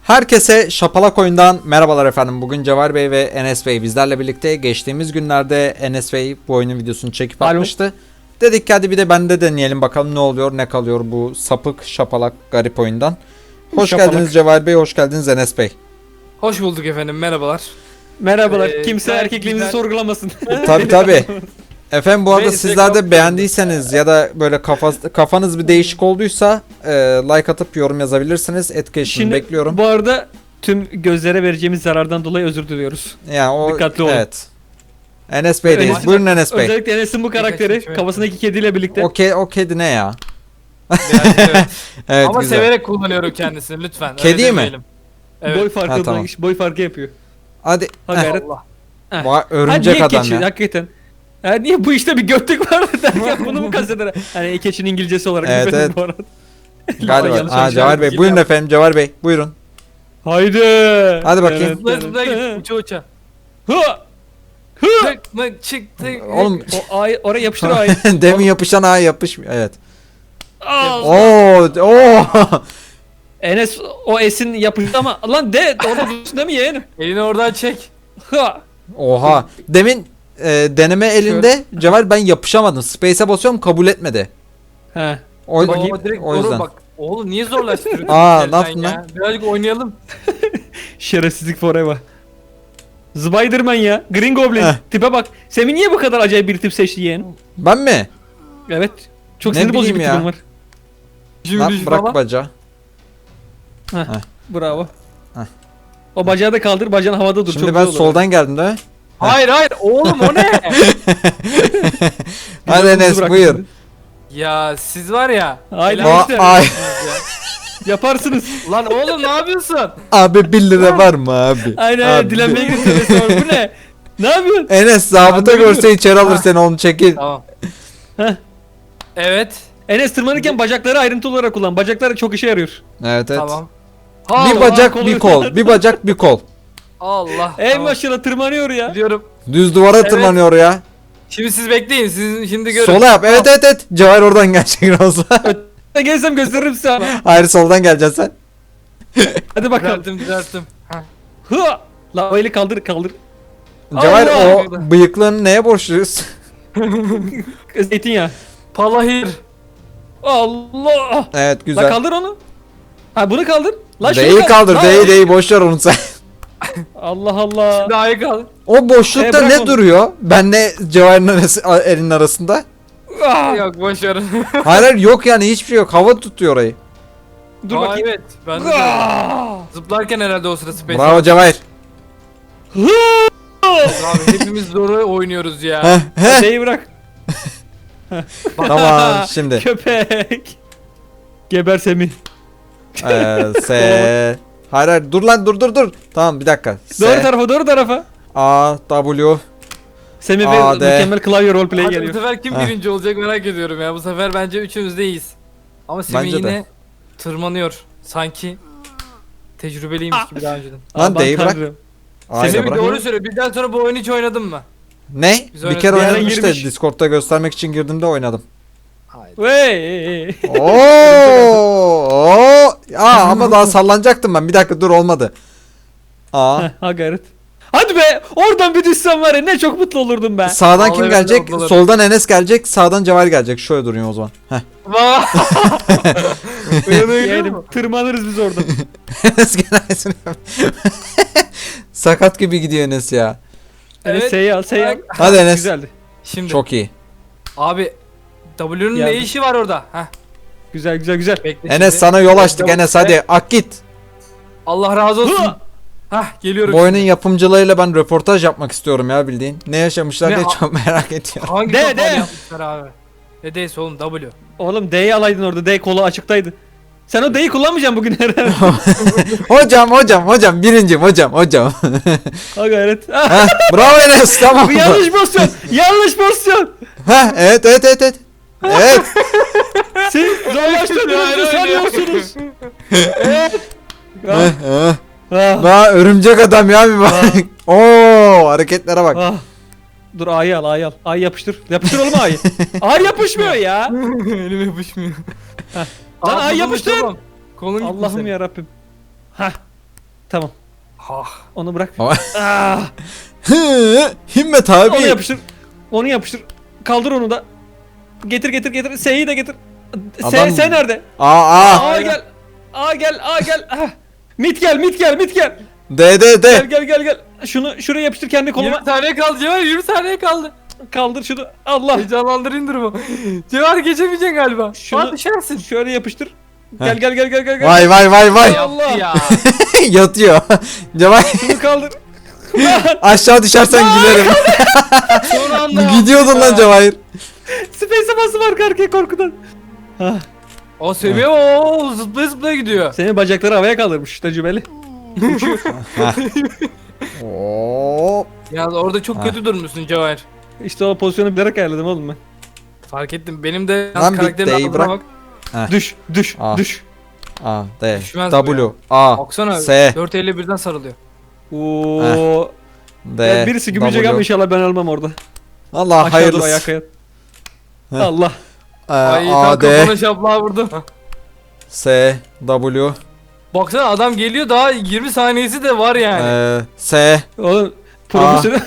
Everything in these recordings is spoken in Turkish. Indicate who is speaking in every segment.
Speaker 1: Herkese Şapalak Oyun'dan merhabalar efendim. Bugün Cevher Bey ve Enes Bey bizlerle birlikte. Geçtiğimiz günlerde Enes Bey bu oyunun videosunu çekip atmıştı. Dedik ki hadi bir de bende deneyelim bakalım ne oluyor ne kalıyor bu sapık şapalak garip oyundan. Hoş geldiniz Cevher Bey, hoş geldiniz Enes Bey.
Speaker 2: Hoş bulduk efendim, merhabalar.
Speaker 3: Merhabalar. Kimse
Speaker 2: gayet
Speaker 3: erkekliğimizi
Speaker 2: güzel.
Speaker 3: sorgulamasın.
Speaker 1: Tabi. Efendim bu arada
Speaker 2: Neyse,
Speaker 1: sizler de
Speaker 2: kapatıyoruz
Speaker 1: beğendiyseniz ya da böyle kafanız bir değişik olduysa like atıp yorum yazabilirsiniz. Etkileşim
Speaker 3: Şimdi
Speaker 1: bekliyorum.
Speaker 3: bu arada tüm gözlere vereceğimiz zarardan dolayı özür diliyoruz.
Speaker 1: Yani o
Speaker 3: dikkatli olun.
Speaker 1: evet. Enes Bey'deyiz.
Speaker 3: Enes-
Speaker 1: Buyurun Enes Bey.
Speaker 3: Özellikle Enes'in bu karakteri
Speaker 2: Birkaç
Speaker 3: kafasındaki kediyle birlikte.
Speaker 1: O kedi ne ya?
Speaker 2: Evet.
Speaker 1: Evet
Speaker 2: Ama
Speaker 1: güzel.
Speaker 2: severek kullanıyorum kendisini lütfen.
Speaker 1: Kedi
Speaker 2: öyle
Speaker 1: mi?
Speaker 2: demeyelim. Evet.
Speaker 3: Boy farkı
Speaker 1: Ha, tamam.
Speaker 3: boy farkı yapıyor.
Speaker 1: Hadi.
Speaker 3: Ha
Speaker 1: Heh.
Speaker 3: gayret.
Speaker 2: Allah.
Speaker 3: Heh.
Speaker 1: Vay, örümcek
Speaker 3: niye
Speaker 1: adam
Speaker 3: keçi?
Speaker 1: ya.
Speaker 3: Hakikaten. Ha, niye bu işte bir götlük var derken bunu mu kasteder? Hani keçinin İngilizcesi olarak
Speaker 1: Evet,
Speaker 3: bilmedim
Speaker 1: evet.
Speaker 3: bu arada.
Speaker 1: Galiba.
Speaker 3: Yanlış
Speaker 1: Aa Cevher Bey.
Speaker 2: bilgi
Speaker 1: Buyurun
Speaker 2: yap.
Speaker 1: efendim Cevher Bey. Buyurun.
Speaker 3: Haydi.
Speaker 1: Hadi bakayım.
Speaker 2: Zıpla zıpla git uça uça.
Speaker 3: Hı.
Speaker 2: Tık mı çık tık.
Speaker 1: Oğlum
Speaker 3: O ay oraya yapıştır o ayı.
Speaker 1: demin yapışan ağa yapışmıyor. Evet.
Speaker 3: Al.
Speaker 1: Oo.
Speaker 3: Enes o esin yapıştı ama lan de orada dursun değil mi yeğenim?
Speaker 2: Elini oradan çek.
Speaker 3: Ha.
Speaker 1: Oha. Demin deneme elinde Cevher ben yapışamadım. Space'e basıyorum kabul etmedi.
Speaker 3: He.
Speaker 1: O,
Speaker 2: Bak, direkt
Speaker 1: o yüzden.
Speaker 2: bak. Oğlum niye zorlaştırıyorsun?
Speaker 1: Aa,
Speaker 2: sen
Speaker 1: ne yaptın
Speaker 2: ya?
Speaker 1: lan?
Speaker 2: Birazcık oynayalım.
Speaker 3: Şerefsizlik forever. Spiderman ya. Green Goblin.
Speaker 1: Heh.
Speaker 3: Tipe bak. Semih niye bu kadar acayip bir tip seçti yeğenim?
Speaker 1: Ben mi?
Speaker 3: Evet. Çok
Speaker 1: Ne
Speaker 3: sinir bozucu
Speaker 1: bileyim
Speaker 3: bir
Speaker 1: ya.
Speaker 3: tipim var.
Speaker 1: Lan
Speaker 2: Cümle
Speaker 1: bırak
Speaker 2: falan.
Speaker 1: bacağı.
Speaker 3: Bravo.
Speaker 1: Heh.
Speaker 3: O bacağı da kaldır. Bacağın havada dur.
Speaker 1: Şimdi
Speaker 3: çok
Speaker 1: ben
Speaker 3: güzel olur.
Speaker 1: soldan geldim değil mi?
Speaker 2: Hayır hayır oğlum o ne?
Speaker 1: Hadi
Speaker 3: Yolumuzu
Speaker 1: Enes
Speaker 3: bırak
Speaker 1: buyur.
Speaker 3: şimdi.
Speaker 2: Ya siz var ya.
Speaker 3: Aynen
Speaker 2: helal
Speaker 3: işte.
Speaker 1: Ay.
Speaker 3: Yaparsınız.
Speaker 2: Lan oğlum ne yapıyorsun?
Speaker 1: Abi 1 lira var mı abi?
Speaker 3: Aynen
Speaker 1: Abi.
Speaker 3: aynen. Dilenmeye gidiyorsun. Bu ne? Ne yapıyorsun?
Speaker 1: Enes zabıta
Speaker 2: Ben de
Speaker 1: görse içeri alır
Speaker 2: Ha.
Speaker 1: seni onu çekil.
Speaker 2: Tamam.
Speaker 3: Heh.
Speaker 2: Evet.
Speaker 3: Enes tırmanırken bacakları ayrıntılı olarak kullan. Bacaklar çok işe yarıyor.
Speaker 1: Evet evet.
Speaker 2: Tamam.
Speaker 1: Bir
Speaker 2: Allah,
Speaker 1: bacak
Speaker 3: kolu
Speaker 1: bir
Speaker 3: yok.
Speaker 1: kol. Bir bacak bir kol.
Speaker 2: Allah.
Speaker 3: Ey
Speaker 2: tamam.
Speaker 3: maşallah tırmanıyor ya.
Speaker 2: Gidiyorum.
Speaker 1: Düz duvara
Speaker 2: Evet.
Speaker 1: tırmanıyor ya.
Speaker 2: Şimdi siz bekleyin. Siz şimdi görün.
Speaker 1: Sola yap. Evet evet evet. Cevher oradan gelecek olsa.
Speaker 3: Ben gelsem gösteririm size ama.
Speaker 1: Hayır soldan geleceksin sen.
Speaker 3: Hadi bakalım.
Speaker 2: Düzelttim. Heh.
Speaker 3: Hı! La o eli kaldır kaldır.
Speaker 1: Cevher
Speaker 3: Allah!
Speaker 1: o bıyıklığını neye borçluyuz?
Speaker 3: Zeytinyağı.
Speaker 2: Palahir.
Speaker 3: Allah!
Speaker 1: Evet
Speaker 3: La
Speaker 1: güzel.
Speaker 3: kaldır onu. Ha bunu kaldır. La şunu
Speaker 1: D'yi kaldır.
Speaker 3: La-
Speaker 1: D'yi boş ver onu sen.
Speaker 3: Allah Allah.
Speaker 2: Daha iyi kaldı.
Speaker 1: O boşlukta
Speaker 3: bırak
Speaker 1: ne
Speaker 3: onu.
Speaker 1: duruyor? Benle Cevher'in elinin arasında.
Speaker 3: Ah!
Speaker 2: Yok boş ver.
Speaker 1: Hayır hayır, yok yani hiçbir şey yok. Hava tutuyor orayı.
Speaker 3: Dur
Speaker 2: Aa,
Speaker 3: bakayım.
Speaker 2: Evet. Ben de öyle.
Speaker 3: Ah!
Speaker 2: Zıplarken herhalde o sıra space.
Speaker 1: Bravo Cevher.
Speaker 2: Abi hepimiz zoru oynuyoruz ya.
Speaker 1: Heh, heh.
Speaker 3: D'yi bırak.
Speaker 1: Tamam şimdi.
Speaker 3: Köpek. Geber Semih.
Speaker 1: S. Hayır hayır dur lan dur. Tamam bir dakika.
Speaker 3: Doğru tarafa doğru tarafa.
Speaker 1: A W.
Speaker 3: Semih
Speaker 1: A,
Speaker 3: ve
Speaker 1: D.
Speaker 3: mükemmel klavye roleplay
Speaker 2: Hadi bu
Speaker 3: geliyor.
Speaker 2: sefer kim
Speaker 1: Heh.
Speaker 2: birinci olacak merak ediyorum ya. Bu sefer bence üçümüz de iyiyiz. Ama Semih
Speaker 1: Bence de.
Speaker 2: yine tırmanıyor. Sanki tecrübeliymiş gibi daha önceden.
Speaker 1: Lan
Speaker 3: Aman
Speaker 1: D'yi bırak.
Speaker 3: tanrım.
Speaker 1: A'yı da
Speaker 2: Semih
Speaker 1: bırak.
Speaker 2: doğru söyle. Birden sonra bu oyunu hiç oynadın mı?
Speaker 1: Ne?
Speaker 2: Biz
Speaker 1: Bir
Speaker 2: oynadık.
Speaker 1: kere
Speaker 3: Bir ara
Speaker 1: oynadım işte.
Speaker 3: girmiş.
Speaker 1: Discord'da göstermek için girdim de oynadım.
Speaker 2: Hayır.
Speaker 3: Wey.
Speaker 1: Oo! Ama daha sallanacaktım ben. Bir dakika dur olmadı. A.
Speaker 3: Ha gayret. Hadi be oradan bir düşsem var ya ne çok mutlu olurdum ben.
Speaker 1: Sağdan
Speaker 2: Vallahi
Speaker 1: kim
Speaker 2: ben de
Speaker 1: gelecek?
Speaker 2: ablalarım.
Speaker 1: Soldan Enes gelecek. Sağdan Cevher gelecek. Şöyle durayım o zaman. Heh.
Speaker 3: Yeğenim tırmanırız biz oradan.
Speaker 1: Enes gelmesin. Sakat gibi gidiyor Enes ya.
Speaker 3: Evet.
Speaker 2: Evet.
Speaker 3: S'yi al S'yi al.
Speaker 1: Hadi Enes.
Speaker 3: Güzeldi.
Speaker 2: Şimdi
Speaker 1: Çok iyi.
Speaker 2: abi W'nun ne
Speaker 3: Geldim.
Speaker 2: işi var orada? Heh.
Speaker 3: Güzel güzel güzel.
Speaker 2: Bekle
Speaker 1: Enes
Speaker 2: şimdi.
Speaker 1: sana yol açtık
Speaker 2: W-
Speaker 1: Enes hadi ak git.
Speaker 2: Allah razı olsun.
Speaker 3: Hı!
Speaker 2: Hah geliyorum.
Speaker 1: Bu oyunun
Speaker 2: şimdi.
Speaker 1: yapımcılarıyla ben röportaj yapmak istiyorum ya bildiğin. Ne yaşamışlar
Speaker 2: Ne
Speaker 1: diye
Speaker 2: ha-
Speaker 1: çok merak ediyorum.
Speaker 2: Hangi
Speaker 3: De,
Speaker 2: kafalı
Speaker 3: de.
Speaker 2: yapmışlar abi? Ne D'si oğlum W.
Speaker 3: Oğlum D'yi alaydın orada. D kolu açıktaydı. Sen o D'yi kullanmayacaksın bugün herhalde.
Speaker 1: hocam birincim hocam.
Speaker 3: Ha gayret. Ah,
Speaker 1: Heh, bravo Enes tamam.
Speaker 3: bu yanlış pozisyon. Yanlış pozisyon.
Speaker 1: Heh, evet. Evet.
Speaker 3: Siz zorlaştırdığınızı sanıyorsunuz.
Speaker 1: Heh, heh.
Speaker 3: Ah,
Speaker 1: Daha örümcek adam ya bir bak. Oo hareketlere bak.
Speaker 3: ah. Dur A'yı al A'yı al. A'yı yapıştır. Yapıştır oğlum A'yı. A yapışmıyor ya.
Speaker 2: Elim yapışmıyor.
Speaker 3: Lan ay
Speaker 2: buldum,
Speaker 3: yapıştır.
Speaker 2: tamam. Kolun gitti
Speaker 3: Allah'ım
Speaker 2: senin.
Speaker 3: ya Rabbim. Hah. Tamam.
Speaker 2: Ha.
Speaker 3: Onu bırak.
Speaker 1: Ama-
Speaker 3: Ah,
Speaker 1: Hı, Himmet
Speaker 3: onu
Speaker 1: abi.
Speaker 3: yapıştır. Onu yapıştır. Kaldır onu da. Getir. S'yi de getir.
Speaker 1: Adam-
Speaker 3: S nerede?
Speaker 1: Aa.
Speaker 3: A gel. A gel. Ah. Mit gel.
Speaker 1: D.
Speaker 3: Gel. Şunu şuraya yapıştır kendi
Speaker 2: 20
Speaker 3: koluma.
Speaker 2: saniye kaldı Cevher, 20 saniye kaldı.
Speaker 3: Kaldır şunu. Allah.
Speaker 2: Heyecanlandırın durumu. Cevher geçemeyeceksin galiba.
Speaker 3: Şunu-
Speaker 2: Şunu düşersin.
Speaker 3: Şöyle yapıştır.
Speaker 1: Heh.
Speaker 3: Gel.
Speaker 1: Vay.
Speaker 3: Allah.
Speaker 2: Ya.
Speaker 1: Yatıyor. Cemal
Speaker 3: Şunu kaldır.
Speaker 1: aşağı düşersen gülerim.
Speaker 2: Son anda.
Speaker 1: Gidiyordun lan Cevahir.
Speaker 3: Space'e bastım arka arkaya korkudan. Ah.
Speaker 2: O seviye o zıplaya gidiyor.
Speaker 3: Senin bacakları havaya kaldırmış tecrübeli.
Speaker 1: Oo.
Speaker 2: Ya orada çok
Speaker 1: Ha.
Speaker 2: kötü durmuşsun Cevher.
Speaker 3: İşte o pozisyonu bilerek ayarladım oğlum ben.
Speaker 2: Fark ettim. Benim de
Speaker 1: Lan bir
Speaker 2: karakterin
Speaker 1: D'yi
Speaker 2: adına
Speaker 1: bırak.
Speaker 2: bak.
Speaker 3: Düş.
Speaker 1: Ah.
Speaker 3: Düş.
Speaker 1: A, D,
Speaker 2: Düşmez bu
Speaker 1: W,
Speaker 2: ya.
Speaker 1: A,
Speaker 2: Baksana
Speaker 1: S,
Speaker 2: 4 elle birden sarılıyor.
Speaker 3: Oo.
Speaker 1: D,
Speaker 3: Ya birisi gümecek ama inşallah ben almam orada.
Speaker 1: Allah
Speaker 3: Aşağı dur
Speaker 1: hayırlısı.
Speaker 3: ayak ayak.
Speaker 1: Heh.
Speaker 3: Allah.
Speaker 2: Ay
Speaker 1: A,
Speaker 2: tam
Speaker 1: D,
Speaker 2: kafana şaplağı vurdu.
Speaker 1: S, W,
Speaker 2: Baksana adam geliyor, daha 20 saniyesi de var yani.
Speaker 1: S.
Speaker 3: Oğlum profesyonel.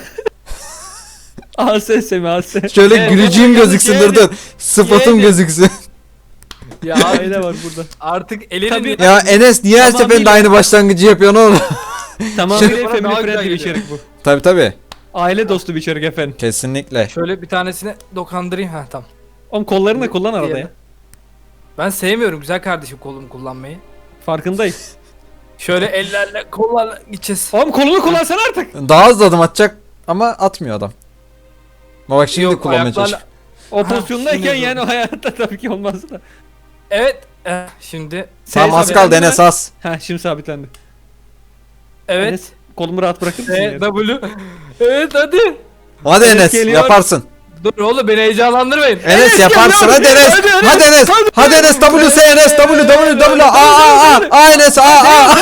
Speaker 3: AS mi AS.
Speaker 1: Şöyle
Speaker 2: Evet,
Speaker 1: gülücüğüm
Speaker 2: evet,
Speaker 1: gözüksün
Speaker 2: yeğenim.
Speaker 1: dur. Sıfatım
Speaker 2: Yeğenim.
Speaker 1: gözüksün.
Speaker 2: Ya
Speaker 3: Aile var burada.
Speaker 2: artık elinin
Speaker 3: Tabii.
Speaker 1: Ya Enes niye her
Speaker 3: Tamam,
Speaker 1: seferinde
Speaker 3: değil.
Speaker 1: aynı başlangıcı yapıyorsun oğlum?
Speaker 3: Tamamıyla
Speaker 2: Bana
Speaker 3: family
Speaker 2: daha güzel
Speaker 3: friendly bir
Speaker 2: geliyor.
Speaker 3: içerik bu.
Speaker 1: Tabi.
Speaker 3: Aile dostu bir içerik efendim.
Speaker 1: Kesinlikle.
Speaker 2: Şöyle bir tanesine dokandırayım, ha tamam.
Speaker 3: Oğlum kollarını da kullan arada ya.
Speaker 2: Diğerini. Ben sevmiyorum güzel kardeşim kolumu kullanmayı.
Speaker 3: Farkındayım.
Speaker 2: Şöyle ellerle kollarla gideceğiz.
Speaker 3: Oğlum kolunu kullansana artık.
Speaker 1: Daha hızlı adım atacak ama atmıyor adam. Ama bak şimdi
Speaker 2: Yok,
Speaker 1: kullanmaya
Speaker 2: ayaklarla-
Speaker 1: çalışıyor.
Speaker 3: O
Speaker 2: Ha,
Speaker 3: pozisyondayken
Speaker 2: şimdi
Speaker 3: yani o hayatta tabii ki olmaz da.
Speaker 2: Evet. Şimdi.
Speaker 1: Tamam az kaldı Enes az.
Speaker 3: Ha şimdi sabitlendi.
Speaker 2: Evet.
Speaker 3: Enes, kolumu rahat bırakır mısın?
Speaker 2: E,
Speaker 3: yere?
Speaker 2: W. Evet hadi.
Speaker 1: Hadi
Speaker 3: Enes
Speaker 1: Enes
Speaker 3: geliyor.
Speaker 1: yaparsın.
Speaker 2: Dur oğlum beni heyecanlandırmayın.
Speaker 1: Enes yaparsın hadi Enes. Hadi Enes. Hadi Enes W S Enes W A Enes A.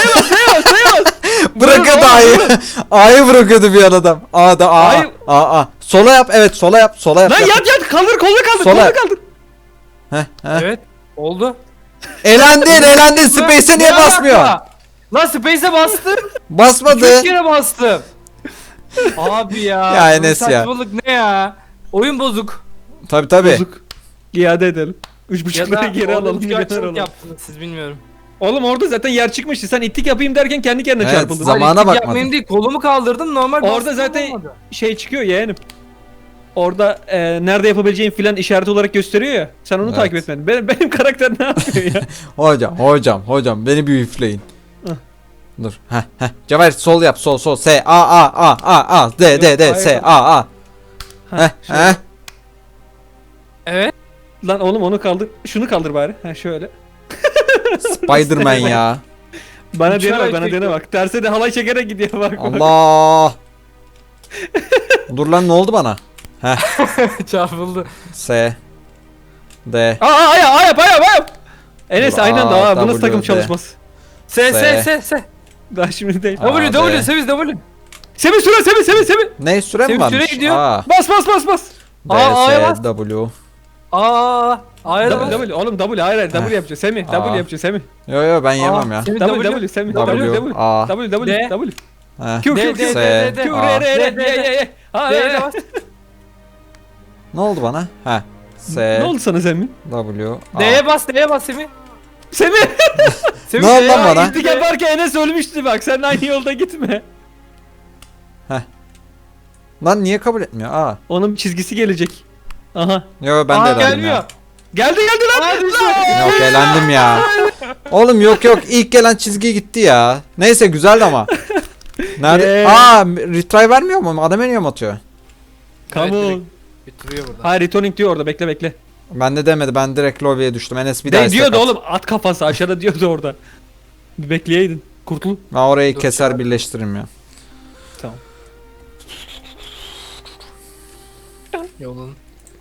Speaker 1: Bırakıyordu A'yı. A'yı bırakıyordu bir an adam. A'da
Speaker 3: A'yı-
Speaker 1: A. Sola yap evet sola yap.
Speaker 3: Lan yat kaldır kolunu kaldır
Speaker 1: Sola.
Speaker 3: kolunu kaldır.
Speaker 1: Heh.
Speaker 2: Evet. Oldu.
Speaker 1: Elendin. Space'e niye
Speaker 2: Ne
Speaker 1: basmıyor?
Speaker 2: alaka? Lan Space'e bastım.
Speaker 1: Basmadı.
Speaker 2: 3 kere bastım. Abi ya.
Speaker 1: Ya
Speaker 2: bu
Speaker 1: Enes ya.
Speaker 2: saçmalık ne ya? Oyun bozuk.
Speaker 1: Tabi.
Speaker 3: Bozuk. İade edelim.
Speaker 2: Ya
Speaker 3: 3.5
Speaker 2: da
Speaker 3: lira geri
Speaker 2: orada
Speaker 3: alalım.
Speaker 2: rüzgar
Speaker 3: milyoner
Speaker 2: çabuk
Speaker 3: alalım.
Speaker 2: yaptınız siz, bilmiyorum.
Speaker 3: Oğlum orada zaten yer çıkmıştı. Sen ittik yapayım derken kendi kendine
Speaker 1: Evet,
Speaker 3: çarpıldın.
Speaker 1: Zamana
Speaker 2: Hayır,
Speaker 1: bakmadım.
Speaker 2: yapmayayım değil, kolumu kaldırdım normal
Speaker 3: Orada
Speaker 2: bastım,
Speaker 3: zaten
Speaker 2: olmadı.
Speaker 3: şey çıkıyor yeğenim. Orada nerede yapabileceğin filan işaret olarak gösteriyor ya. Sen onu
Speaker 1: Evet.
Speaker 3: takip etmedin. Benim karakter ne yapıyor ya?
Speaker 1: Hocam beni bir üfleyin.
Speaker 3: Hah.
Speaker 1: Dur. Cevher sol yap sol. S A D
Speaker 3: Yok,
Speaker 1: S
Speaker 3: hayır.
Speaker 1: A.
Speaker 3: Ha, şöyle.
Speaker 1: Heh.
Speaker 2: Evet.
Speaker 3: Lan oğlum onu kaldır. Şunu kaldır bari. Ha şöyle.
Speaker 1: Spiderman ya.
Speaker 3: Bana
Speaker 2: Uçarak
Speaker 3: dene bak,
Speaker 2: çekiyor.
Speaker 3: Terse de halay çekerek gidiyor bak.
Speaker 1: Allah. Dur lan ne oldu bana?
Speaker 2: Çarpıldı.
Speaker 1: S D
Speaker 3: Aa yap. Enes
Speaker 1: Dur,
Speaker 3: aynen
Speaker 1: A,
Speaker 3: daha bu nasıl
Speaker 1: W,
Speaker 3: takım
Speaker 1: D.
Speaker 3: çalışması?
Speaker 2: S.
Speaker 3: Daha şimdi değil.
Speaker 1: A, D.
Speaker 2: Seviz W.
Speaker 3: Semih süre Semih.
Speaker 1: Ne süre mi
Speaker 2: Senin
Speaker 1: varmış?
Speaker 2: süre gidiyor.
Speaker 1: A
Speaker 3: Bas.
Speaker 1: D
Speaker 2: A'ya
Speaker 1: S
Speaker 2: bas.
Speaker 1: W.
Speaker 2: A'ya da bas.
Speaker 3: W oğlum W hayır W
Speaker 1: Ha.
Speaker 3: yapacağız Semih.
Speaker 1: Aa.
Speaker 3: W yapacağız Semih.
Speaker 1: Yo ben yemem ya.
Speaker 2: Semih
Speaker 3: W Semih.
Speaker 1: W A
Speaker 3: W.
Speaker 1: Heh.
Speaker 3: Q
Speaker 2: D,
Speaker 3: Q.
Speaker 2: D,
Speaker 1: S
Speaker 3: Q
Speaker 1: A.
Speaker 3: R.
Speaker 2: D'ye bas.
Speaker 1: Ne oldu bana? S
Speaker 3: Ne oldu sana Semih?
Speaker 1: W A.
Speaker 2: D'ye bas Semih.
Speaker 3: Semih.
Speaker 2: Semih,
Speaker 1: Ne oldu lan
Speaker 2: D'ye
Speaker 1: bana?
Speaker 2: bas.
Speaker 3: İttik yaparken Enes ölmüştü bak. Sen aynı yolda gitme.
Speaker 1: Lan niye kabul etmiyor? A.
Speaker 3: Onun bir çizgisi gelecek. Aha.
Speaker 1: Yo ben de
Speaker 2: Aa,
Speaker 1: elendim
Speaker 2: gelmiyor.
Speaker 1: ya.
Speaker 3: Geldi lan.
Speaker 2: Aa, düştü.
Speaker 1: Yok elendim ya. Oğlum yok ilk gelen çizgi gitti ya. Neyse güzeldi ama. Nerede? Retry vermiyor mu? Adam eniyor mu atıyor?
Speaker 3: Come
Speaker 2: Evet,
Speaker 3: on.
Speaker 2: direkt bitiriyor burada.
Speaker 3: Hayır returning diyor orada bekle.
Speaker 1: Ben de demedi. Ben direkt lobby'ye düştüm. Enes bir daha
Speaker 3: De
Speaker 1: istek
Speaker 3: diyordu
Speaker 1: at.
Speaker 3: oğlum at kafası aşağıda diyordu orada. Bir bekleyeydin. Kurtul.
Speaker 1: Ben orayı
Speaker 2: Dur,
Speaker 1: keser
Speaker 2: ya.
Speaker 1: birleştiririm ya.
Speaker 3: Tamam.
Speaker 2: Yolun.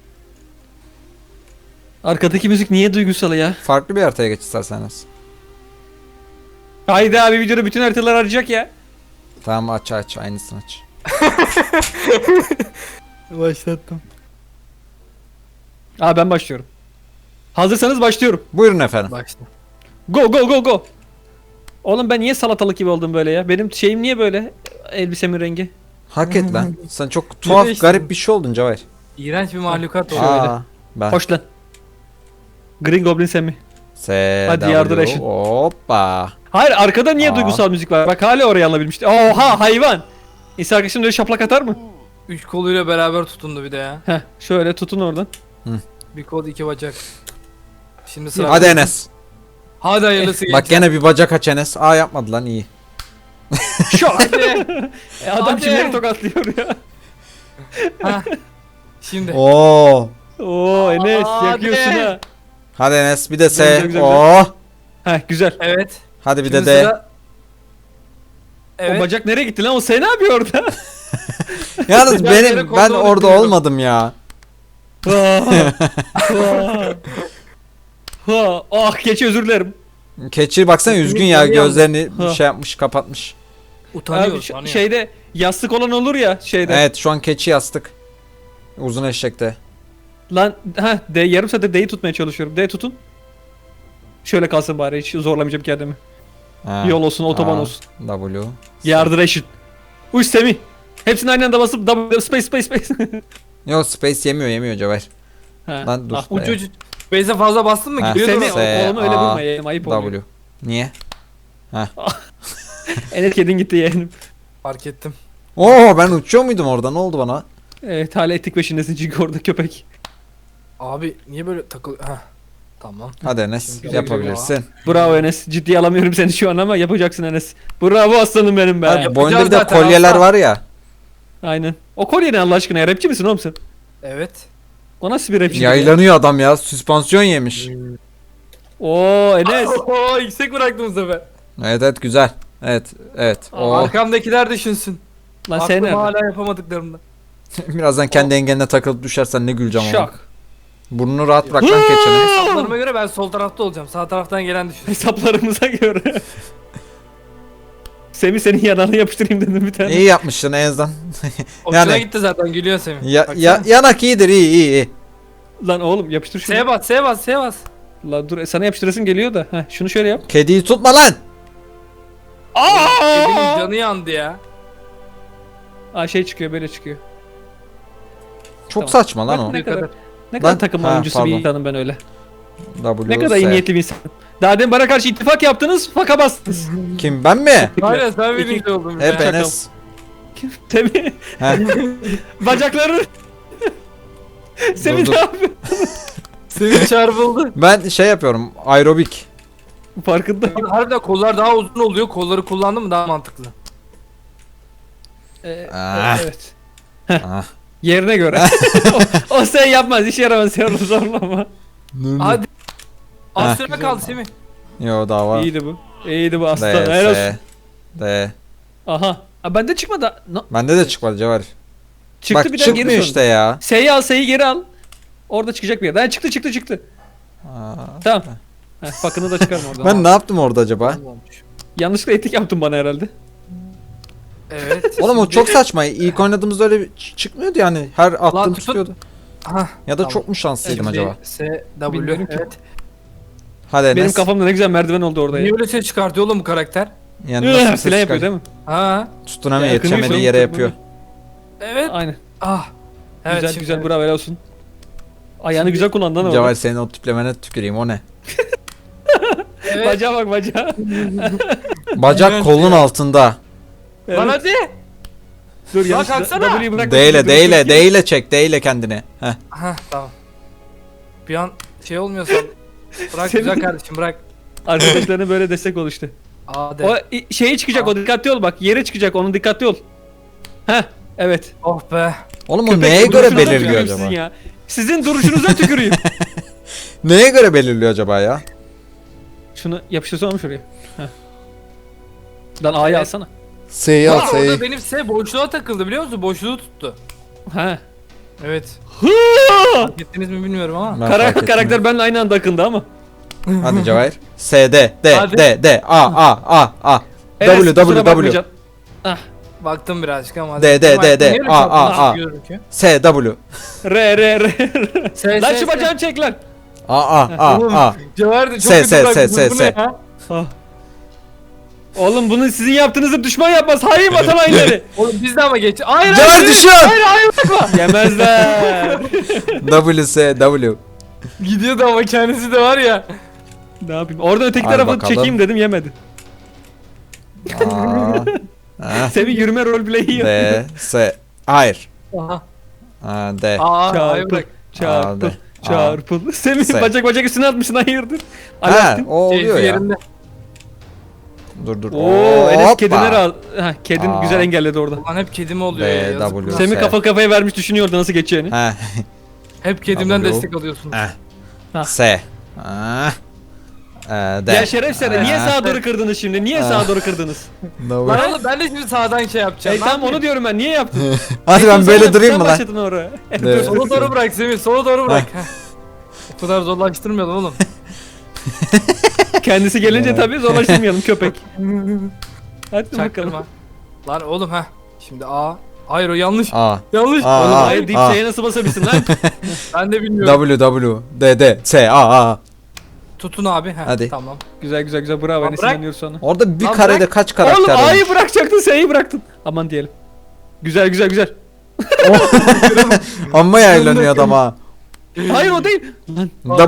Speaker 3: Arkadaki müzik niye duygusal ya?
Speaker 1: Farklı bir haritaya geç istersen Enes.
Speaker 3: Haydi abi videoda bütün haritalar arayacak ya.
Speaker 1: Tamam aç aynısını aç.
Speaker 2: Başlattım.
Speaker 3: Aa ben başlıyorum. Hazırsanız başlıyorum.
Speaker 1: Buyurun efendim.
Speaker 2: Başla.
Speaker 3: Go. Oğlum ben niye salatalık gibi oldum böyle ya? Benim şeyim niye böyle? Elbisemin rengi.
Speaker 1: Hak et lan. Sen çok tuhaf
Speaker 2: değiştin?
Speaker 1: garip bir şey oldun Cevahir.
Speaker 2: İğrenç bir mahlukat oldu.
Speaker 1: Aa, ben.
Speaker 3: Hoş lan. Green Goblin Sammy.
Speaker 1: S,
Speaker 3: Hadi
Speaker 1: W,
Speaker 3: yardır eşin.
Speaker 1: Hoppa.
Speaker 3: Hayır arkada niye
Speaker 1: Aa.
Speaker 3: duygusal müzik var? Bak hala oraya alabilmişti. Oha hayvan. İnsan arkadaşın öyle şaplak atar mı?
Speaker 2: 3 koluyla beraber tutundu bir de ya.
Speaker 3: Heh şöyle tutun oradan.
Speaker 2: Bir kol 2 bacak. Şimdi sıra.
Speaker 1: Hadi Enes.
Speaker 2: Hadi hayırlısı
Speaker 1: Bak
Speaker 2: gençler.
Speaker 1: gene bir bacak aç Enes. Aa yapmadı lan iyi.
Speaker 3: Şok.
Speaker 2: Hadi.
Speaker 3: Adam
Speaker 2: Hadi.
Speaker 3: kimleri tokatlıyor ya.
Speaker 2: Hah. Şimdi.
Speaker 1: Oo.
Speaker 3: Oo Enes
Speaker 2: Hadi.
Speaker 3: yakıyorsun ha.
Speaker 1: Hadi Enes bir de
Speaker 3: Güzel,
Speaker 1: S.
Speaker 3: güzel,
Speaker 1: Oo.
Speaker 3: Heh güzel.
Speaker 2: Evet.
Speaker 1: Hadi bir
Speaker 2: Şimdi
Speaker 1: de D.
Speaker 2: sıra- Evet.
Speaker 3: O bacak nereye gitti lan? O sen ne yapıyor orada?
Speaker 1: Yalnız
Speaker 2: Güzel yere
Speaker 1: ben
Speaker 2: kontrol
Speaker 1: orada
Speaker 2: ettiriyorum.
Speaker 1: olmadım ya.
Speaker 3: Ah keçi özür dilerim.
Speaker 1: Keçi baksana üzgün ya,
Speaker 2: Yanıyor.
Speaker 1: gözlerini
Speaker 3: Ha.
Speaker 1: şey yapmış, kapatmış.
Speaker 2: Utanıyor.
Speaker 3: Abi
Speaker 2: utanıyor.
Speaker 3: şeyde yastık olan olur ya şeyde.
Speaker 1: Evet şu an keçi yastık. Uzun eşekte.
Speaker 3: Lan ha D yarım saattir D'yi tutmaya çalışıyorum. D tutun. Şöyle kalsın bari hiç zorlamayacağım kendimi.
Speaker 1: Ha.
Speaker 3: Yol olsun, otoban
Speaker 1: A,
Speaker 3: olsun.
Speaker 1: W.
Speaker 3: Yardır eşit. Uy Semih. Hepsini aynı anda basıp W space.
Speaker 1: Yok space yemiyor Cevher.
Speaker 3: Ha.
Speaker 1: Lan dur.
Speaker 3: Ah,
Speaker 2: Uç uç. Base'e fazla bastın mı?
Speaker 1: Ha.
Speaker 2: Giriyordur
Speaker 3: Semih
Speaker 2: o.
Speaker 1: S,
Speaker 3: oğlum öyle
Speaker 1: A,
Speaker 3: vurma yeğenim ayıp oluyor.
Speaker 1: W. Niye?
Speaker 3: Enes kedin gitti yeğenim.
Speaker 2: Fark ettim.
Speaker 1: Oo ben uçuyor muydum orada, ne oldu bana?
Speaker 3: Evet hala etik peşindesin çünkü orada köpek.
Speaker 2: Abi niye böyle takıl... Heh. Tamam.
Speaker 1: Hadi Enes
Speaker 2: Şimdi güzel
Speaker 1: yapabilirsin.
Speaker 3: Bravo Enes. Ciddiye alamıyorum seni şu an ama yapacaksın Enes. Bravo aslanım benim be.
Speaker 1: Hadi, boyunda bir de
Speaker 2: zaten,
Speaker 1: kolyeler
Speaker 2: aslan.
Speaker 1: var ya.
Speaker 3: Aynen. O kolye ne Allah aşkına ya? Rapçi misin oğlum sen?
Speaker 2: Evet.
Speaker 3: O nasıl bir rapçi?
Speaker 1: Yaylanıyor adam ya, süspansiyon yemiş.
Speaker 3: Oo Enes.
Speaker 2: Oo yüksek bıraktım bu sefer.
Speaker 1: Evet güzel. Evet. Oo.
Speaker 2: Arkamdakiler düşünsün.
Speaker 3: Lan sen
Speaker 2: Aklım
Speaker 3: nerede?
Speaker 2: hala yapamadıklarımda.
Speaker 1: Birazdan kendi engeline takılıp düşersen ne güleceğim ama.
Speaker 3: Şok.
Speaker 1: Burnunu rahat bırak lan keçinin.
Speaker 2: Hesaplarıma göre ben sol tarafta olacağım. Sağ taraftan gelen düşün.
Speaker 3: Hesaplarımıza göre. Semih senin yanağını yapıştırayım dedim bir tane.
Speaker 1: İyi yapmışsın en azından.
Speaker 2: Hoşuna
Speaker 1: Yani-
Speaker 2: gitti zaten gülüyor Semih.
Speaker 1: Yanak iyidir, iyi.
Speaker 3: Lan oğlum yapıştır şunu.
Speaker 2: S'ye bas, S'ye bas, S'ye bas.
Speaker 3: Lan dur sana yapıştırasın geliyor da. Heh, şunu şöyle yap.
Speaker 1: Kediyi tutma lan.
Speaker 2: Kedinin canı yandı ya.
Speaker 3: Aa şey çıkıyor böyle çıkıyor.
Speaker 1: Çok
Speaker 3: Tamam.
Speaker 1: saçma lan
Speaker 3: Bak
Speaker 1: o.
Speaker 3: ne
Speaker 2: Ne
Speaker 3: kadar
Speaker 2: kadar?
Speaker 3: ne kadar
Speaker 1: Lan-
Speaker 3: takım
Speaker 1: Ha,
Speaker 3: oyuncusu bir
Speaker 1: pardon.
Speaker 3: insanım ben öyle.
Speaker 1: W,
Speaker 3: Ne kadar iyi
Speaker 1: S.
Speaker 3: niyetli bir insan. Daha demin bana karşı ittifak yaptınız, faka bastınız.
Speaker 1: Kim, ben mi?
Speaker 2: Aynen sen birinci oldun.
Speaker 1: Hep
Speaker 2: ya.
Speaker 1: Enes.
Speaker 3: Semih
Speaker 1: He.
Speaker 3: bacakları. Semih
Speaker 1: Dur.
Speaker 3: ne yapıyor?
Speaker 2: Semih çarpıldı.
Speaker 1: Ben şey yapıyorum, aerobik.
Speaker 3: Farkında.
Speaker 2: Harbiden kollar daha uzun oluyor. Kolları kullandın mı daha mantıklı.
Speaker 1: Ah.
Speaker 3: Evet.
Speaker 1: Ah.
Speaker 3: Yerine göre. o sen yapmaz, işe yaramaz, sen onu zorlama.
Speaker 2: Hadi.
Speaker 1: Ha.
Speaker 2: Az süre kaldı Semih.
Speaker 1: Yo daha var.
Speaker 3: İyiydi bu. İyiydi bu aslan.
Speaker 1: D,
Speaker 3: Helal olsun.
Speaker 1: S, D.
Speaker 3: Aha. Aa, bende çıkmadı. No.
Speaker 1: Bende de çıkmadı Cevher.
Speaker 3: Çıktı
Speaker 1: Bak
Speaker 3: bir daha geri
Speaker 1: çıkmıyor
Speaker 3: sonra.
Speaker 1: işte ya.
Speaker 3: S'yi al, S'yi geri al. Orada çıkacak bir yer. Ha, çıktı.
Speaker 1: Aa.
Speaker 3: Tamam. Heh, fakını da çıkarma oradan.
Speaker 1: Ben ne yaptım orada acaba?
Speaker 3: Yanlışlıkla etik yaptın bana herhalde.
Speaker 2: Evet.
Speaker 1: Oğlum o
Speaker 2: şimdi-
Speaker 1: çok saçma. İlk oynadığımızda öyle çıkmıyordu yani. Her attığım
Speaker 2: tut.
Speaker 1: tutuyordu.
Speaker 2: Hah.
Speaker 1: Ya da
Speaker 2: Tamam.
Speaker 1: çok mu şanslıydım
Speaker 2: Şimdi
Speaker 1: acaba?
Speaker 2: S, W.
Speaker 3: Bilmiyorum ki.
Speaker 2: Evet.
Speaker 1: Hadi Enes.
Speaker 3: Benim kafamda ne güzel merdiven oldu orada ya.
Speaker 2: Niye öyle ses çıkartıyor oğlum bu karakter?
Speaker 1: Yani nasıl bir ses
Speaker 3: Filan yapıyor
Speaker 1: çıkar?
Speaker 3: değil mi?
Speaker 2: Ha.
Speaker 1: Tutunamıyor,
Speaker 3: Ya, yakınıyor
Speaker 1: yetişemediği
Speaker 3: şu an,
Speaker 1: yere
Speaker 3: yakınıyor.
Speaker 1: yapıyor.
Speaker 2: Evet.
Speaker 3: Aynen.
Speaker 2: Ah. Evet,
Speaker 3: güzel
Speaker 2: şimdi-
Speaker 3: güzel bravo helal olsun. Ayağını
Speaker 2: Şimdi-
Speaker 3: güzel kullandın ama.
Speaker 1: Cevher senin o tiplemene tüküreyim, o ne?
Speaker 2: Evet.
Speaker 3: Bacağa bak bacağa.
Speaker 1: Bacak
Speaker 2: Evet
Speaker 1: kolun
Speaker 2: ya.
Speaker 1: altında.
Speaker 2: Lan
Speaker 3: Evet.
Speaker 2: hadi.
Speaker 3: Dur
Speaker 2: Lan
Speaker 3: yanlış.
Speaker 2: kalksana.
Speaker 3: W'yi bırak.
Speaker 1: D ile,
Speaker 3: Dur,
Speaker 1: D ile,
Speaker 3: dur,
Speaker 1: D ile çek, D ile kendini. Heh.
Speaker 2: Hah tamam. Bir an şey olmuyorsa bırak
Speaker 3: Senin-
Speaker 2: güzel kardeşim bırak.
Speaker 3: Arkadaşlarına böyle destek ol işte.
Speaker 2: Hadi.
Speaker 3: O şeyi çıkacak o dikkatli ol bak. Yere çıkacak onun dikkatli ol. Heh evet.
Speaker 2: Oh be.
Speaker 1: Oğlum o
Speaker 3: Köpek
Speaker 1: neye göre
Speaker 3: duruşunuza
Speaker 1: belirliyor
Speaker 3: tüküreyim
Speaker 1: acaba?
Speaker 3: sizin ya. Sizin duruşunuza tüküreyim.
Speaker 1: Neye göre belirliyor acaba ya?
Speaker 3: Şunu yapıştırsana şuraya. Heh. Lan A'yı
Speaker 2: Evet.
Speaker 3: alsana.
Speaker 1: S'yi al,
Speaker 2: Aa,
Speaker 1: S'yi.
Speaker 2: orada benim S boşluğa takıldı biliyor musun? Boşluğu tuttu.
Speaker 3: Ha.
Speaker 2: Evet.
Speaker 3: Hı!
Speaker 2: Fark ettiniz mi bilmiyorum ama.
Speaker 1: Ben fark ettim.
Speaker 3: Karakter benimle aynı anda akındı ama.
Speaker 1: Hadi Cevher. S, D, D,
Speaker 2: Hadi.
Speaker 1: D, A.
Speaker 3: Enes,
Speaker 1: W,
Speaker 3: kusura
Speaker 1: W.
Speaker 3: bakmayacaksın.
Speaker 2: Baktım birazcık ama. hadi.
Speaker 1: D, D, D, D,
Speaker 2: Niye öyle
Speaker 1: A,
Speaker 2: çarptın?
Speaker 1: A, A.
Speaker 2: Gözüküyor.
Speaker 1: S, W.
Speaker 3: R.
Speaker 2: S,
Speaker 3: Lan
Speaker 2: S,
Speaker 3: şu
Speaker 2: S.
Speaker 3: bacağını çek lan.
Speaker 1: A.
Speaker 2: Oğlum,
Speaker 1: A.
Speaker 2: Cevher de çok
Speaker 1: S,
Speaker 2: kötü
Speaker 1: S,
Speaker 2: bıraktın.
Speaker 1: S,
Speaker 2: Bu
Speaker 1: S.
Speaker 2: ne ya?
Speaker 3: Ah. Oğlum bunu sizin yaptığınızı düşman yapmaz. Hayır vatan hainleri.
Speaker 2: Oğlum biz de ama geç. Hayır
Speaker 1: Cevher
Speaker 2: hayır.
Speaker 1: düşüyor.
Speaker 3: Yemezler.
Speaker 1: WS W.
Speaker 2: Gidiyordu ama kendisi de var ya.
Speaker 3: Ne yapayım? Oradan öteki
Speaker 1: Hadi
Speaker 3: tarafı
Speaker 1: bakalım.
Speaker 3: çekeyim dedim yemedi.
Speaker 1: Aa. Heh.
Speaker 3: Semih yürüme roleplay'i yapıyor.
Speaker 1: D S. Hayır.
Speaker 2: Aha.
Speaker 1: D.
Speaker 2: Hayır
Speaker 3: Çarpıl.
Speaker 2: bırak.
Speaker 3: Çarpıl.
Speaker 1: Aa,
Speaker 3: Çarpıl. Semih
Speaker 1: Se.
Speaker 3: bacak üstüne atmışsın hayırdır?
Speaker 1: Ha,
Speaker 3: Alaaddin.
Speaker 1: o oluyor
Speaker 2: Keyfi
Speaker 1: ya.
Speaker 2: yerinde.
Speaker 1: Dur.
Speaker 3: Oo, Enes
Speaker 1: Hoppa.
Speaker 3: kedine razı. Ha, kedin
Speaker 1: Aa.
Speaker 3: güzel engelledi orada.
Speaker 2: Ulan hep kedim oluyor
Speaker 1: B,
Speaker 2: ya. yazık
Speaker 1: W.
Speaker 2: lan.
Speaker 3: Semih
Speaker 1: Se.
Speaker 3: kafa kafaya vermiş düşünüyordu nasıl geçeceğini.
Speaker 1: He.
Speaker 2: Hep kedimden
Speaker 1: W.
Speaker 2: destek alıyorsun.
Speaker 3: Ha.
Speaker 1: S. Ah. D.
Speaker 3: Ya şerefsizler niye
Speaker 1: Ha.
Speaker 3: sağa doğru kırdınız şimdi? Niye sağa doğru kırdınız?
Speaker 1: W.
Speaker 2: Lan oğlum ben de şimdi sağdan şey yapacağım.
Speaker 3: Hey tamam onu diyorum ben. Niye yaptın?
Speaker 1: Hadi ben böyle
Speaker 3: Sen
Speaker 1: durayım mı lan?
Speaker 3: başladın oraya.
Speaker 1: Evet.
Speaker 2: Sola doğru bırak Semih, sola doğru bırak. Heh. O kadar zorlaştırmayalım oğlum.
Speaker 3: Kendisi gelince tabii zorlaştırmayalım köpek. Hadi bakalım.
Speaker 2: Çaktırma. Lan oğlum ha. Şimdi A. Hayır o yanlış.
Speaker 1: A.
Speaker 2: Yanlış.
Speaker 1: Aa,
Speaker 3: Oğlum
Speaker 1: aa,
Speaker 3: hayır deyip
Speaker 1: aa.
Speaker 3: şeye nasıl basabilsin lan?
Speaker 2: Ben de bilmiyorum.
Speaker 1: W. D. S. A.
Speaker 2: Tutun abi. Heh,
Speaker 1: Hadi.
Speaker 2: Tamam.
Speaker 3: güzel bravo
Speaker 2: Lan
Speaker 3: Enes
Speaker 2: bırak.
Speaker 3: inanıyoruz sana.
Speaker 1: Orada bir
Speaker 2: Lan
Speaker 1: karede
Speaker 2: bırak.
Speaker 1: kaç karakter
Speaker 3: Oğlum
Speaker 1: var?
Speaker 3: A'yı bırakacaktın S'yi bıraktın. Aman diyelim. Güzel.
Speaker 1: Amma yaylanıyor adam ha.
Speaker 3: Hayır o değil. Lan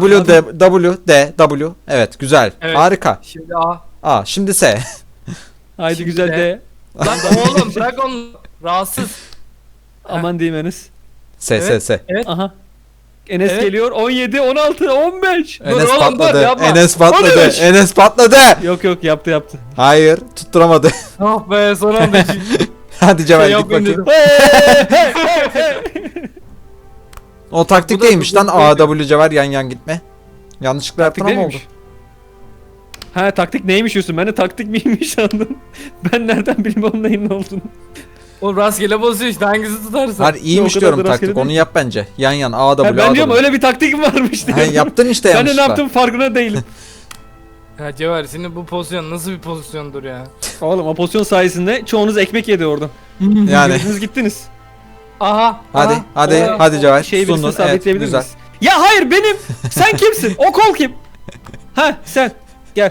Speaker 1: W. Evet güzel.
Speaker 2: Evet.
Speaker 1: Harika.
Speaker 2: Şimdi A.
Speaker 1: A. Şimdi S.
Speaker 3: haydi
Speaker 2: Şimdi
Speaker 3: güzel
Speaker 2: de-
Speaker 3: de.
Speaker 2: Lan oğlum bırak onu. Rahatsız.
Speaker 3: Aman diyeyim Enes.
Speaker 1: S.
Speaker 2: Evet.
Speaker 3: Aha. Enes
Speaker 2: Evet.
Speaker 3: geliyor 17, 16, 15.
Speaker 2: Dur
Speaker 1: Enes
Speaker 2: oğlum,
Speaker 1: patladı.
Speaker 2: dur, yapma.
Speaker 1: Enes patladı.
Speaker 3: 13.
Speaker 1: Enes patladı.
Speaker 3: Yok yaptı.
Speaker 1: Hayır, tutturamadı.
Speaker 2: Ah be son anda
Speaker 1: Hadi Cevher
Speaker 2: Şey
Speaker 1: git
Speaker 2: yapmayın
Speaker 1: bakayım.
Speaker 2: dedim.
Speaker 1: O taktik
Speaker 2: Bu da-
Speaker 1: değilmiş
Speaker 2: bu-
Speaker 1: lan.
Speaker 2: bu-
Speaker 1: A W Cevher yan gitme. Yanlışlıkla yaptın
Speaker 3: Taktik
Speaker 1: ama oldu.
Speaker 3: neymiş? Ha taktik neymiş diyorsun? Ben de taktik miymiş sandım. Ben nereden bileyim onun neyin ne olduğunu.
Speaker 2: O rastgele basıyor işte hangisi tutarsa.
Speaker 1: Hadi iyiymiş
Speaker 3: o kadar
Speaker 1: diyorum
Speaker 3: da rastgele
Speaker 1: taktik.
Speaker 3: değil.
Speaker 1: Onu yap bence. Yan A
Speaker 3: Ha,
Speaker 1: W
Speaker 3: ben
Speaker 1: A
Speaker 3: diyorum
Speaker 1: W.
Speaker 3: öyle bir taktik mi varmış
Speaker 1: Ha,
Speaker 3: diyorum.
Speaker 1: yaptın işte
Speaker 3: Ben de ne
Speaker 1: yanlışlıkla.
Speaker 3: yaptım farkına değilim.
Speaker 2: Ya Cevher senin bu pozisyon nasıl bir pozisyondur ya?
Speaker 3: Oğlum o pozisyon sayesinde çoğunuz ekmek yedi oradan.
Speaker 1: Yani.
Speaker 3: Girdiniz gittiniz.
Speaker 2: Aha.
Speaker 1: Hadi
Speaker 2: aha.
Speaker 1: hadi
Speaker 2: Oha.
Speaker 1: hadi Cevher.
Speaker 3: Şeyi birisine
Speaker 1: Sundun. Evet
Speaker 3: sabitleyebilir
Speaker 1: güzel.
Speaker 3: miyiz? Ya hayır benim. Sen kimsin? O kol kim? Ha sen. Gel.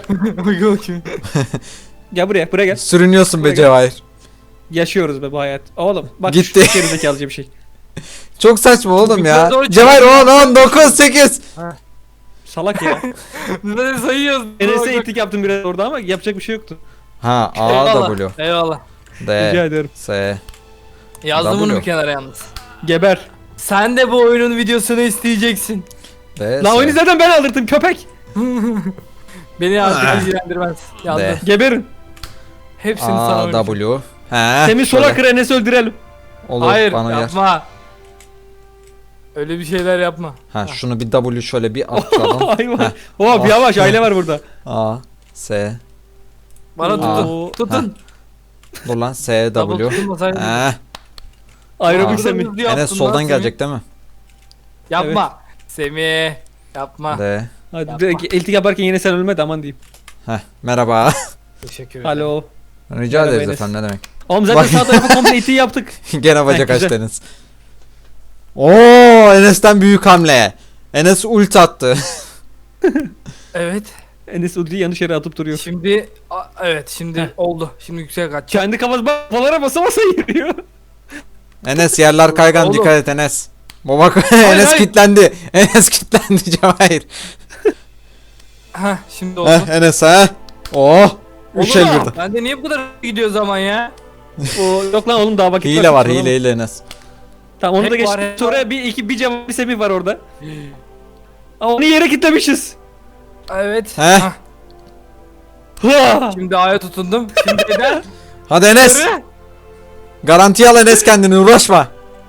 Speaker 3: Gel buraya gel.
Speaker 1: Sürünüyorsun be
Speaker 3: Buraya
Speaker 1: Cevher.
Speaker 3: Yaşıyoruz be bu hayat. Oğlum bak
Speaker 1: Gitti.
Speaker 3: şu gerizekalıca bir şey.
Speaker 1: Çok saçma oğlum ya.
Speaker 2: Yukarı doğru
Speaker 1: Cevher
Speaker 2: çıkıyor.
Speaker 1: 10 9 8.
Speaker 3: Salak ya.
Speaker 2: Biz de sayıyoruz.
Speaker 3: Enes'e itlik yaptım biraz orada ama yapacak bir şey yoktu.
Speaker 1: Ha A
Speaker 2: Eyvallah.
Speaker 1: W
Speaker 2: Eyvallah.
Speaker 3: Rica
Speaker 1: D
Speaker 3: ederim.
Speaker 1: S.
Speaker 2: Yazdım bunu
Speaker 1: W.
Speaker 2: bir kenara yalnız.
Speaker 3: Geber.
Speaker 2: Sen de bu oyunun videosunu isteyeceksin.
Speaker 1: D
Speaker 3: La oyunu
Speaker 1: S.
Speaker 3: zaten ben aldırdım köpek.
Speaker 2: Beni
Speaker 1: Ah.
Speaker 2: artık ilgilendirmez. Yazdım.
Speaker 1: De.
Speaker 3: Geberin.
Speaker 2: Hepsini sana
Speaker 1: A
Speaker 2: oynayacağım.
Speaker 1: W. He.
Speaker 3: Semih sola
Speaker 1: şöyle.
Speaker 3: kır Enes'i öldürelim.
Speaker 1: Olur
Speaker 2: Hayır
Speaker 1: bana yer.
Speaker 2: yapma. Öyle bir şeyler yapma.
Speaker 1: Ha şunu bir W şöyle bir atlayalım.
Speaker 3: Hayvan.
Speaker 1: Heh.
Speaker 3: Hop yavaş aile var burada.
Speaker 1: A S.
Speaker 2: Bana tutun.
Speaker 3: Oo.
Speaker 2: Tutun.
Speaker 1: Dur lan S
Speaker 2: Double
Speaker 1: W.
Speaker 2: tutulmasaydın.
Speaker 1: He.
Speaker 3: Aerobik
Speaker 1: Aa.
Speaker 3: Semih.
Speaker 2: Hızlı yaptın
Speaker 1: Enes
Speaker 2: lan
Speaker 1: soldan
Speaker 2: Semih.
Speaker 1: gelecek değil mi?
Speaker 2: Yapma. Semih. Yapma.
Speaker 1: D.
Speaker 3: Hadi
Speaker 2: Yapma.
Speaker 3: direkt iltik yaparken yine sen ölme de aman diyeyim.
Speaker 1: Heh. Merhaba.
Speaker 2: Teşekkür ederim.
Speaker 3: Alo.
Speaker 1: Rica
Speaker 3: Merhaba
Speaker 1: ederiz
Speaker 3: Enes.
Speaker 1: efendim ne demek.
Speaker 3: Oğlum zaten
Speaker 1: Bak-
Speaker 3: sağ tarafı komple itiği yaptık.
Speaker 1: Gene bacak
Speaker 3: Heh, güzel.
Speaker 1: açtı Enes. Oo Enes'ten büyük hamle. Enes ult attı.
Speaker 2: Evet.
Speaker 3: Enes ultiyi yanlış yere atıp duruyor.
Speaker 2: Şimdi evet şimdi
Speaker 3: Heh.
Speaker 2: oldu. Şimdi yüksek kaç.
Speaker 3: Kendi kafası bafalara basa basa yürüyor.
Speaker 1: Enes yerler kaygan
Speaker 2: Oğlum.
Speaker 1: dikkat et Enes. Baba Enes
Speaker 2: hayır.
Speaker 1: kilitlendi. Enes kilitlendi Cevahir.
Speaker 2: Heh şimdi oldu.
Speaker 1: Heh Enes ha. Oh. Üç el
Speaker 2: Oğlum,
Speaker 1: birden.
Speaker 2: Ben de niye bu kadar gidiyor zaman ya?
Speaker 3: O yok lan oğlum daha vakit
Speaker 1: Hile var
Speaker 3: Tamam.
Speaker 1: hile Enes.
Speaker 3: Tamam onu da
Speaker 2: Hack
Speaker 3: geç.
Speaker 2: var, hack
Speaker 3: Sonra bir cevap bir Semih var orada. Ama onu yere kilitlemişiz.
Speaker 2: Evet.
Speaker 1: Heh.
Speaker 2: Hah,
Speaker 3: Hıa!
Speaker 2: Şimdi A'ya tutundum. Şimdi neden?
Speaker 1: Hadi Enes. Garantiye al Enes kendini uğraşma.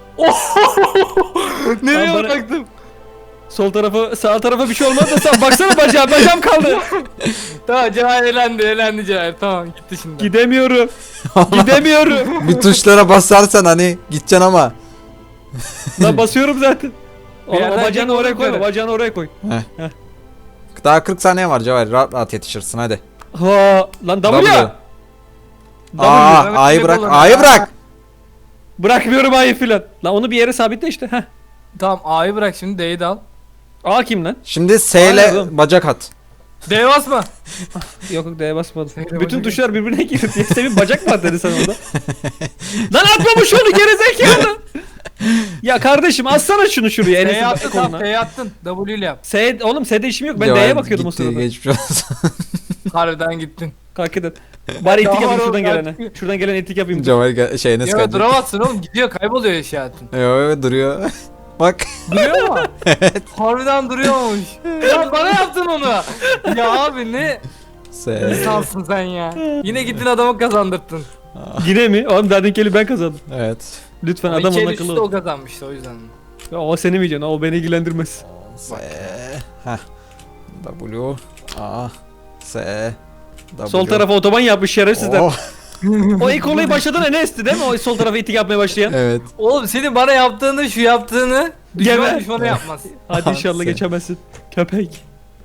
Speaker 2: Nereye
Speaker 3: Lan bana-
Speaker 2: bıraktım?
Speaker 3: Sol tarafa sağ tarafa bir şey olmaz da sen baksana bacağım kaldı.
Speaker 2: Tamam Cevher elendi Cevher. Tamam gitti şimdi.
Speaker 3: Gidemiyorum. Gidemiyorum.
Speaker 1: Bir tuşlara basarsan hani gideceksin ama.
Speaker 3: Lan basıyorum zaten. Oğlum o
Speaker 2: yerden
Speaker 3: bacağını
Speaker 2: çek
Speaker 3: oraya
Speaker 2: oğlum
Speaker 3: koy.
Speaker 2: yukarı.
Speaker 3: Bacağını oraya koy.
Speaker 1: Daha 40 saniye var Cevahir. Rahat rahat yetişirsin hadi.
Speaker 3: Ha lan W.
Speaker 1: W.
Speaker 3: W.
Speaker 1: Aa
Speaker 2: Mehmet
Speaker 1: A'yı
Speaker 2: Bey
Speaker 1: bırak.
Speaker 2: kullanın.
Speaker 1: A'yı bırak.
Speaker 3: Bırakmıyorum A'yı filan. Lan onu bir yere sabitle işte. Heh.
Speaker 2: Tamam A'yı bırak şimdi D'yi de al.
Speaker 3: A kim lan?
Speaker 1: Şimdi S
Speaker 3: Aynen
Speaker 1: ile
Speaker 3: oğlum.
Speaker 1: bacak at.
Speaker 2: D'ye basma.
Speaker 3: Yok yok D'ye basmadım.
Speaker 2: D'ye
Speaker 3: Bütün
Speaker 2: basacak.
Speaker 3: tuşlar birbirine girdi diye Semih bacak var dedi sen orada. Lan atmamış onu gerizekalı. Ya kardeşim atsana şunu şuraya
Speaker 2: D'ye
Speaker 3: Enes'in
Speaker 2: attın
Speaker 3: koluna.
Speaker 2: tamam D'ye attın. W ile yap.
Speaker 3: Oğlum S'de işim yok ben
Speaker 1: Cevher
Speaker 3: D'ye bakıyordum o
Speaker 1: gitti,
Speaker 3: sırada.
Speaker 1: geçmiş olsun.
Speaker 2: Harbiden gittin.
Speaker 3: Kalk edin. Bari etik
Speaker 2: Daha
Speaker 3: yapayım
Speaker 2: var
Speaker 3: şuradan
Speaker 2: oğlum,
Speaker 3: gelene.
Speaker 2: kalk.
Speaker 3: Şuradan gelen etik yapayım.
Speaker 1: Cevher şey Enes
Speaker 2: Ya
Speaker 1: geldi.
Speaker 2: duramazsın oğlum gidiyor kayboluyor eşyatın.
Speaker 1: Evet duruyor. Bak.
Speaker 2: Duruyor mu? Evet. Harbiden duruyormuş. Ya bana yaptın onu. Ya abi ne insansın sen ya. Yine gittin adamı kazandırttın.
Speaker 3: Yine mi? Oğlum Dardinkeli ben kazandım.
Speaker 1: Evet.
Speaker 3: Lütfen
Speaker 2: Ama
Speaker 3: adam
Speaker 2: iki el
Speaker 3: onun
Speaker 2: üstü
Speaker 3: akıllı
Speaker 2: o
Speaker 3: ol.
Speaker 2: kazanmıştı o yüzden.
Speaker 3: Ya o seni mi yiyeceksin? O beni ilgilendirmez.
Speaker 1: S. Heh. W. A. S. W.
Speaker 3: Sol tarafa otoban yapmış şerefsizler.
Speaker 1: Oh,
Speaker 3: O ilk olayı başlatan Enes'ti değil mi? O sol tarafa itik yapmaya başlayan.
Speaker 1: evet.
Speaker 2: Oğlum senin bana yaptığını şu yaptığını düşman
Speaker 3: Geber.
Speaker 2: düşmana yapmaz.
Speaker 3: Hadi inşallah
Speaker 1: Sen-
Speaker 3: geçemezsin. Köpek.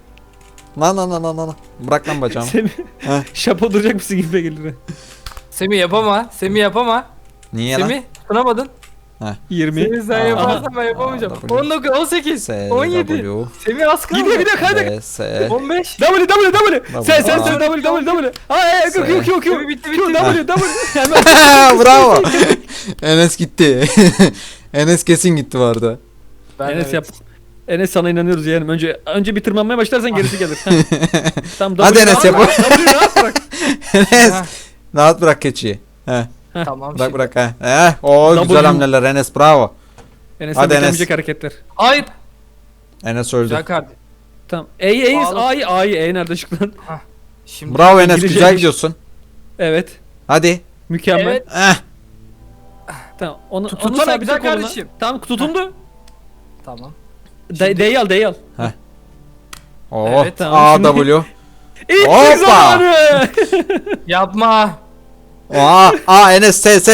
Speaker 1: Lan. Bırak lan bacağımı.
Speaker 3: Semih.
Speaker 1: Heh.
Speaker 3: Şapo duracak mısın gibi gelir.
Speaker 2: Semih yapama. Semih yapama.
Speaker 1: Niye lan?
Speaker 2: Semih tutunamadın.
Speaker 3: 20.
Speaker 2: Semih sen
Speaker 1: Aa.
Speaker 2: yaparsan ben yapamayacağım.
Speaker 1: W.
Speaker 2: 19, 18,
Speaker 1: S.
Speaker 2: 17.
Speaker 1: W.
Speaker 2: Semih az kaldı.
Speaker 3: Gidiyor hadi.
Speaker 1: B. S.
Speaker 2: 15.
Speaker 3: W. Sen
Speaker 1: Aa.
Speaker 3: W. Ay Q.
Speaker 2: Bitti.
Speaker 3: W. Hemen.
Speaker 1: Bravo. Enes gitti. Enes kesin gitti bu arada.
Speaker 3: Enes yap. Enes sana inanıyoruz yeğenim. Önce bir tırmanmaya başlarsan gerisi gelir. Tamam,
Speaker 1: Hadi
Speaker 3: W
Speaker 1: Enes
Speaker 3: rahat
Speaker 1: yap.
Speaker 3: bırak, W rahat bırak.
Speaker 1: Enes.
Speaker 2: Ha.
Speaker 1: Rahat bırak keçiyi. Heh.
Speaker 2: Tamam.
Speaker 1: Bırak he. O
Speaker 3: W.
Speaker 1: güzel hamleler Enes bravo.
Speaker 3: Enes'ten
Speaker 1: Hadi Enes.
Speaker 3: beklemeyecek hareketler.
Speaker 2: Hayır.
Speaker 1: Enes öldü.
Speaker 2: Güzel kardeşim.
Speaker 3: Tamam. A'yı
Speaker 2: Bağlı.
Speaker 3: A'yı nerede çıktı lan?
Speaker 2: Şimdi.
Speaker 1: Bravo Enes
Speaker 3: İngilizce
Speaker 1: güzel
Speaker 3: bir-
Speaker 1: gidiyorsun.
Speaker 3: Evet.
Speaker 1: Hadi.
Speaker 3: Mükemmel.
Speaker 2: Evet.
Speaker 1: Eh.
Speaker 3: Tamam. Onu
Speaker 2: Tutsana
Speaker 3: sabitle
Speaker 2: güzel
Speaker 3: koluna.
Speaker 2: kardeşim.
Speaker 3: Tamam tutundu.
Speaker 2: Tamam.
Speaker 3: D'yi al.
Speaker 1: Oh.
Speaker 2: Evet,
Speaker 3: tamam.
Speaker 1: A
Speaker 3: Şimdi-
Speaker 1: W.
Speaker 3: İlk
Speaker 1: Hoppa.
Speaker 3: zamanı.
Speaker 2: Yapma.
Speaker 1: A Enes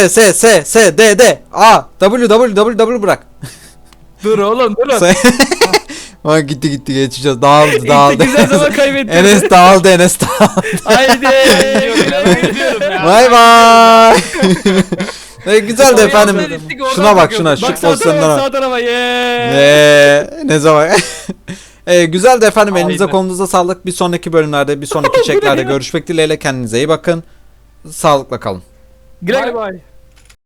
Speaker 1: S D A W bırak.
Speaker 2: Dur oğlum dur.
Speaker 1: S. Bak gitti geçeceğiz. Dağıldı.
Speaker 3: İlk güzel zaman kaybettin.
Speaker 1: Enes dağıldı.
Speaker 3: Haydi.
Speaker 2: Gidiyorum ya.
Speaker 1: Bay bay. Güzel de
Speaker 2: Oraya
Speaker 1: efendim.
Speaker 2: atletik, oradan
Speaker 1: Şuna bak
Speaker 2: bakıyordum.
Speaker 1: şuna.
Speaker 3: Bak
Speaker 1: Şu
Speaker 3: sağ tarafa
Speaker 1: pozisyonlara.
Speaker 3: sağ tarafa.
Speaker 1: Ne zaman? Güzel de efendim elinize
Speaker 2: Aynen.
Speaker 1: kolunuza sağlık. Bir sonraki bölümlerde, bir sonraki çeklerde görüşmek dileğiyle. Kendinize iyi bakın. Sağlıkla kalın.
Speaker 3: Güle
Speaker 2: Bay bay.